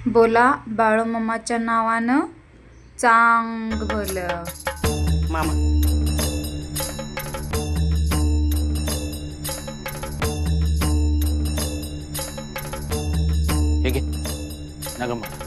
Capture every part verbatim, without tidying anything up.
बोला बाळूमामाच्या नावानं चांगलं मामा हे घे नग मला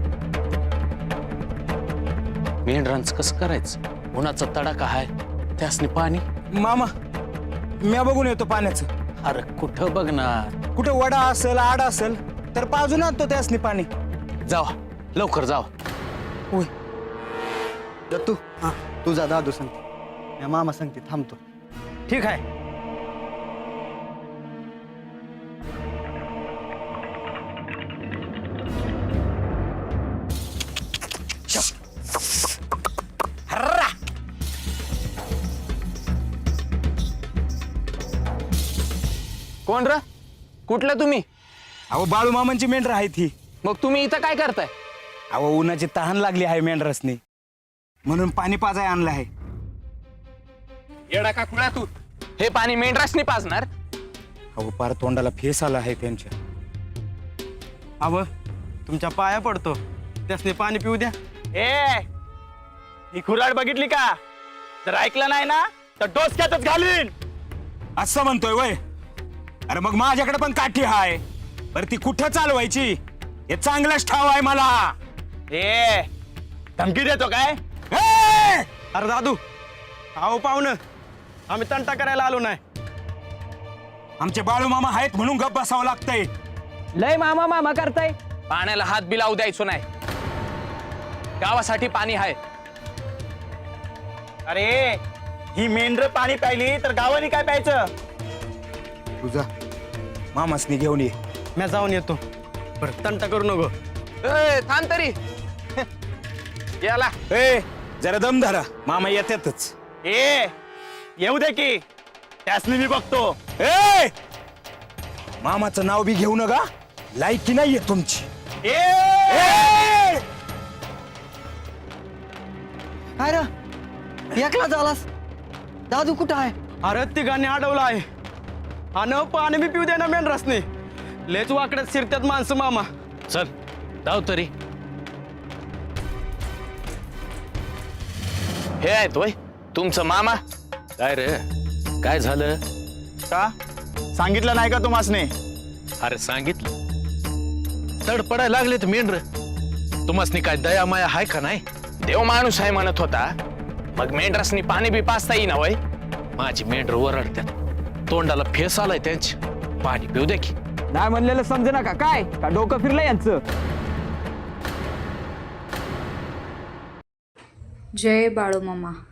मेंढरांचं कसं करायचं? उन्हाचा तडाखा हाय, त्यासनी पाणी. मामा म्या बघून येतो पाण्याचं. अरे कुठं बघणार? कुठे वडा असेल आड असेल तर पाजून आणतो त्यासनी पाणी. जावा लवकर जावा. होय दत्तू हा तुझा दादू सांगते मामा सांगते थांबतो. ठीक आहे. कोण र? कुठलं तुम्ही? अहो बाळू मामांची मेंढर आहे ती. मग तुम्ही इथं काय करताय? अहो उन्हाची तहान लागली आहे मेंढरसनी म्हणून पाणी पाजाय आणलं आहे. येडा का खुळा तू? हे पाणी मेंढरासनी पाजणार? अहो पार तोंडाला फेस आला आहे त्यांच्या. अव तुमच्या पाया पडतो त्यासने पाणी पिऊ द्या. ए ही खुराड बघितली का? जर ऐकलं नाही ना तर डोसक्यातच घालीन. असं म्हणतोय वय? अरे मग माझ्याकडे पण काठी हाय, पर ती कुठं चालवायची हे चांगलंच ठाव आहे मला. ए धमकी देतो काय? ए! अरे दादू अहो पाहुणं आम्ही तंटा करायला आलो नाही. आमचे बाळू मामा आहेत म्हणून गप बसावं लागतंय. लय मामा मामा करताय. पाण्याला हात बी लावू द्यायचो नाही. गावासाठी पाणी आहे. अरे ही मेंढर पाणी प्यायली तर गावाने काय प्यायचं? तुझा मामासनी घेऊन ये. मी जाऊन येतो. बरं तंटा करू नको. ए, थांब तरी. याला ए जरा दम धरा, मामा येतातच. ए येऊ दे की त्यासनी मी बघतो. ए मामाचं नाव बी घेऊ नका, लायकी नाहीये तुमची. ए ए! काय रे एकला झालास? दादू कुठं आहे? अरे तिघांनी अडवलं आहे आणि पाणी बी पिऊ दे ना मेंढरासनी. लेच वाकड्यात शिरत्यात माणसं मामा. चल धाव तरी. हे आहेत होय तुमचं मामा? काय रे काय झालं? का सांगितलं नाही का तुम्हासने? अरे सांगितलं. तडपडायला लागले तर मेंढर. तुम्हासनी काय दया माया हाय का नाही? देव माणूस आहे म्हणत होता, मग मेंढरासनी पाणी बी पाचता येईना वय? माझी मेंढर ओरडत्यात, तोंडाला फेस आलाय त्यांची. पाणी पिऊ दे की. नाही म्हणलेलं समजे नका काय का डोकं फिरलं यांचं. जय बाळूमामा.